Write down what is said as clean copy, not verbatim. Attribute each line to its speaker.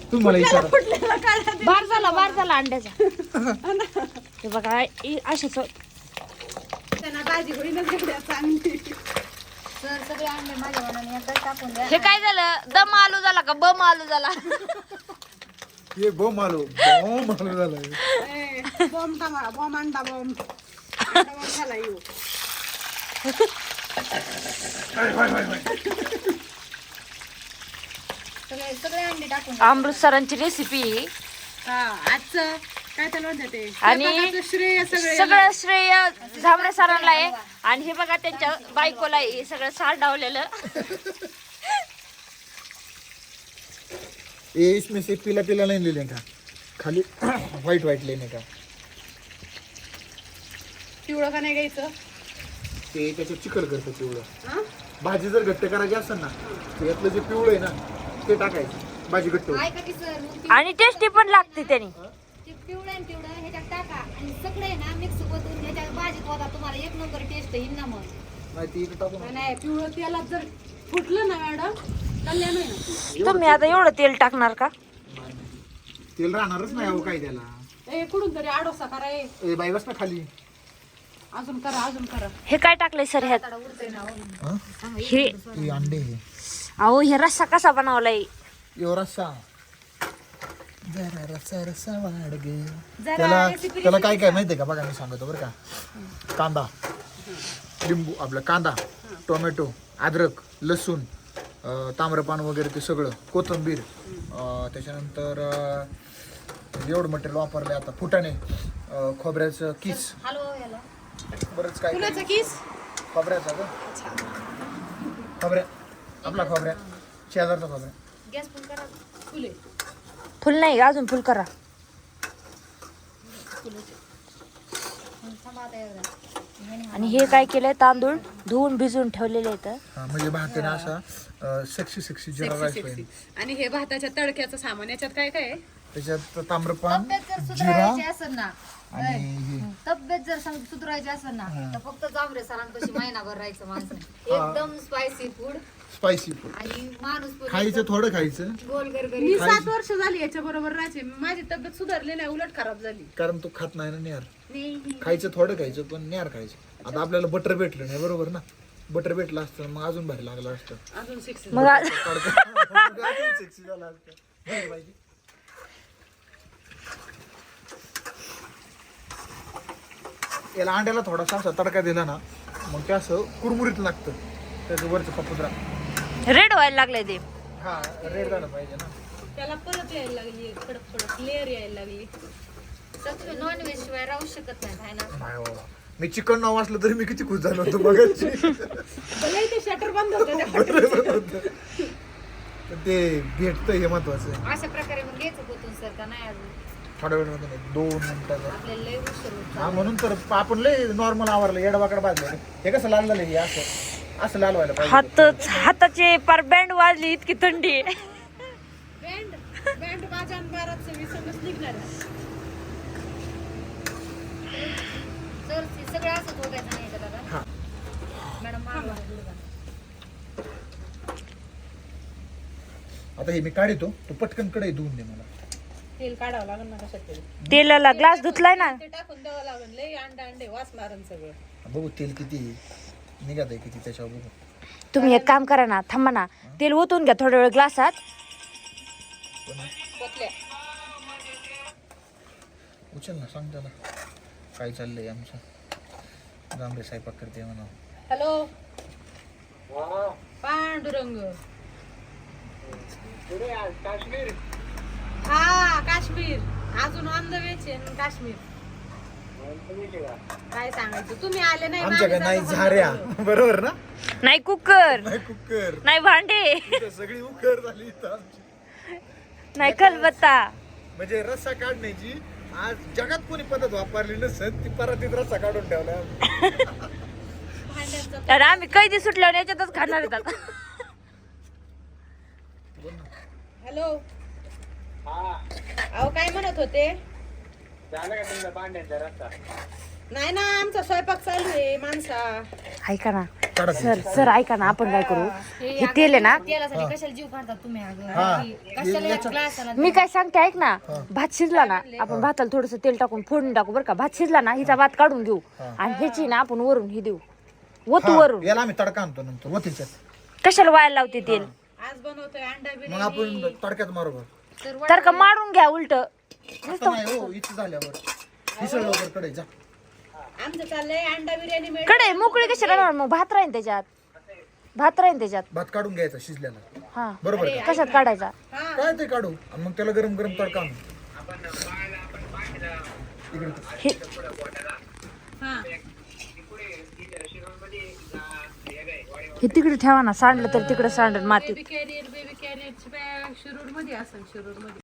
Speaker 1: तुम्ही मला विचारा.
Speaker 2: बार झाला अंड्याचा. ते बघा अशाच
Speaker 3: त्यांना भाजी होईनच एवढ्या चांगली.
Speaker 4: सर सगळे अंडे माझ्या मनाने एकदा टाकून द्या.
Speaker 2: हे काय झालं, दम आलू झाला का बम आलू झाला?
Speaker 1: हे बॉम्ब आलो झालं.
Speaker 3: बॉम्ब टामा बॉम्ब अंडा बॉम्ब झाला येऊ.
Speaker 4: सगळे सगळे अंडे टाकून द्या.
Speaker 2: अमृत सरांची रेसिपी
Speaker 3: हा आजचं काय त्याला म्हणतात ते
Speaker 2: आणि
Speaker 3: स्वयंपाकाचं श्रेय
Speaker 2: सगळं श्रेय झांबरे सरांना आहे. आणि हे बघा त्यांच्या बायकोला हे सगळं सारडावलेलं.
Speaker 1: ये इसमें से पीला पीला नहीं ले लेगा, खाली व्हाइट व्हाइट लेने का.
Speaker 3: पिवळं का नाही घ्यायचं.
Speaker 1: ते त्याच्यात चिकल करतं पिवळं.
Speaker 3: हा?
Speaker 1: भाजी जर घट्ट करायची असेल ना, तर यातलं जे पिवळं आहे ना ते टाकायचं, भाजी घट्ट होईल.
Speaker 4: ऐका की सर मग
Speaker 2: आणि टेस्टी पण लागते त्याने.
Speaker 4: ते पिवळं आणि पिवळं ह्याच्यात टाका आणि सगळे ना मिक्स करून ह्याच्यात भाजीत होता तुम्हाला एक नंबर टेस्ट येईल ना मग.
Speaker 1: माहिती इथं टाकून
Speaker 3: नाही, नाही पिवळं तेलात जर फुटलं ना मॅडम कल्याण होईल ना.
Speaker 2: तुम्ही आता एवढं तेल टाकणार का?
Speaker 1: तेल राहणारच नाही अहो काय त्याला.
Speaker 3: ए कुठून तरी आडोसा करा.
Speaker 1: ए बाई बस ना खाली.
Speaker 3: अजून करा अजून करा.
Speaker 2: हे काय टाकलंय सर ह्यात?
Speaker 1: हा?
Speaker 2: हे
Speaker 1: हे अंडे
Speaker 2: अहो हे रस्सा कसा बनवलाय?
Speaker 1: यो रस्सा जरा रस्सा वाढ गे. त्याला काय काय माहितीये का, बघा मी सांगतो बरं का. कांदा, लिंबू, आपला कांदा, टोमॅटो, अद्रक, लसूण, ताम्रपान वगैरे ते सगळं, कोथिंबीर, त्याच्यानंतर एवढं मटेरियल वापरले. आता फुटाणे, खोबऱ्याचं किस,
Speaker 4: हॅलो याला
Speaker 1: बरंच काय
Speaker 3: फुलाचा किस
Speaker 1: खोबऱ्याचा का, खोबऱ्या आपला खोबऱ्या, शेजारचा खोबऱ्या.
Speaker 4: गॅस फुल करा.
Speaker 3: फुले
Speaker 2: फुल नाही अजून फुल करा.
Speaker 4: थांबा आता एवढं.
Speaker 2: आणि हे काय केलंय, तांदूळ धुवून भिजवून ठेवलेले आहेत.
Speaker 1: हा, म्हणजे भाताने असा सेक्सी जिरा राईस पाहिजे.
Speaker 3: आणि हे भाताच्या तडक्याचं सामान याच्यात काय काय आहे.
Speaker 1: त्याच्यात ताम्रपान,
Speaker 4: तब्येत जर
Speaker 1: जिरा
Speaker 4: सुधारायची असेल ना,
Speaker 1: आणि हे
Speaker 4: तब्येत जर सुधारायची असेल ना तर फक्त जांभरे सरांपाशी महिनाभर राहायचं माणसं. एकदम स्पायसी फूड
Speaker 1: स्पायसी फूड
Speaker 4: आणि माणूस पण
Speaker 1: खायचं, थोडं खायचं.
Speaker 4: गोल गरगरी.
Speaker 3: मी 7 वर्ष झाली याच्या बरोबर राहायचे. माझी तब्येत सुधारली नाही, उलट खराब झाली.
Speaker 1: कारण तू खात नाही ना नेहार.
Speaker 4: नाही
Speaker 1: खायचं थोडं खायचं पण नेहार खायचं. आता आपल्याला बटर भेटलं नाही बरोबर ना, बटर भेटलं असतं मग अजून भारी लागलं असतं.
Speaker 3: अजून 6
Speaker 2: मग
Speaker 1: अजून sexy झालं असतं. बरं पाहिजे. याला अंड्याला थोडासा असा तडका दिला ना, मग ते असं कुरमुरीत लागतं. त्याचं वरचं पपुद्रा
Speaker 2: रेड व्हायला लागलंय ते.
Speaker 1: हा रेड झालं पाहिजे ना.
Speaker 3: त्याला परत यायला लागली, कडक कडक लेअर यायला लागली.
Speaker 4: तर तुम्ही नॉनव्हेज शिवाय राहू शकत नाही हाय ना.
Speaker 1: नाही बाबा, मी चिकन नाव वाचलं तरी मी किती खुश झालो होतो बघायची.
Speaker 3: भले ते शटर बंद होतं.
Speaker 1: ते भेटतं हे महत्वाचं आहे.
Speaker 4: अशा प्रकारे मग घ्यायचं पोतून सर का नाही अजून
Speaker 1: थोड्या वेळ मध्ये 2 मिनिटाचा.
Speaker 4: आपल्याला लय उशीर होतो.
Speaker 1: हा म्हणून तर आपण लय नॉर्मल आवरलं, येडवाकड भाजलं. हे कसं लाल झालं, हे असं असं लाल व्हायला पाहिजे.
Speaker 2: हाताचे पार बँड वाजली, इतकी थंडी आहे.
Speaker 3: बँड बाजान बाराचं विसरच निघणार आहे.
Speaker 4: सर सगळं असंच बघायचं नाही का दादा.
Speaker 1: हा.
Speaker 4: मॅडम मागवा.
Speaker 1: आता हे मी काढतो, तू पटकन कडे धुवून दे मला.
Speaker 3: तेल काढावं लागेल ना कशात तरी.
Speaker 2: तेलाला ग्लास धुतलाय ना.
Speaker 3: ते टाकून द्यावं लागेल. लय अंडे वास मारण सगळं.
Speaker 1: बघू तेल किती निघत आहे, किती त्याच्यावर बघू.
Speaker 2: तुम्ही एक काम करा ना, थांबा ना, तेल ओतून घ्या थोड्या वेळ ग्लासात.
Speaker 3: पतल्या.
Speaker 1: उचल ना, सांग त्याला काय चाललंय आमचं. जांभळे स्वयंपाक करते म्हणा.
Speaker 3: हॅलो पांडुरंग. हा काश्मीर. अजून ऑन द वेच आहे काश्मीर. काय सांगायचं, तुम्ही आले नाही.
Speaker 1: आमच्याकडे नाही झाऱ्या, बरोबर ना.
Speaker 2: नाही कुकर,
Speaker 1: नाही कुकर,
Speaker 2: नाही भांडे,
Speaker 1: इथं सगळी उकर झाली इथं आमची.
Speaker 2: नाही खलबत्ता.
Speaker 1: म्हणजे रस्सा काढण्याची आज जगात कोणी पद्धत वापरली नसत, ती परातीत रस्सा काढून ठेवला.
Speaker 4: भांड्यांचं
Speaker 2: अरे आम्ही कैदी सुटल्यावर याच्यातच खाणार आहेत आता.
Speaker 3: हॅलो अहो काय म्हणत होते. नाही ना, आमचा स्वयंपाक चालू आहे माणसा.
Speaker 2: ऐका ना,
Speaker 1: काढा
Speaker 2: सर सर ऐका ना, आपण काय करू, हे तेल आहे ना,
Speaker 4: तेलासाठी कशाला जीव काढतात तुम्ही अगं
Speaker 1: हा.
Speaker 4: कशाला एक ग्लास
Speaker 2: मी काय सांगते ऐक ना, भात शिजला ना, आपण भाताला थोडस तेल टाकून फोडून टाकू बरं का. भात शिजला ना, हिचा भात काढून घेऊ आणि ह्याची ना आपण वरून ही देऊ, ओतू वरून.
Speaker 1: याला आम्ही तडका आणतो नंतर वतीच्यात.
Speaker 2: कशाला वाया लावते तेल?
Speaker 3: आज बनवतोय अंडा
Speaker 1: मग आपण तडक्यात बरोबर
Speaker 2: तर का मारून घ्या उलट.
Speaker 1: आता नाही हो, इथे झाल्यावर हिसळ लवकर कडे जा.
Speaker 3: आमचं चाललंय अंडा बिर्याणी मिळेल.
Speaker 2: कडे मोकळी कशाला राहणार, मग भात राहीन त्याच्यात, भात राहीन त्याच्यात.
Speaker 1: भात काढून घ्यायचा शिजल्याला,
Speaker 2: हा
Speaker 1: बरोबर आहे
Speaker 2: कशात काढायचा?
Speaker 1: काय ते काढू आणि मग त्याला गरम गरम तडका आणू. इकडे
Speaker 2: हे हे तिकडे ठेवा ना, सांडलं तर तिकडे सांडल मातीत.
Speaker 3: बेबी कॅरियर शिरूर मध्ये असेल, शिरूर मध्ये.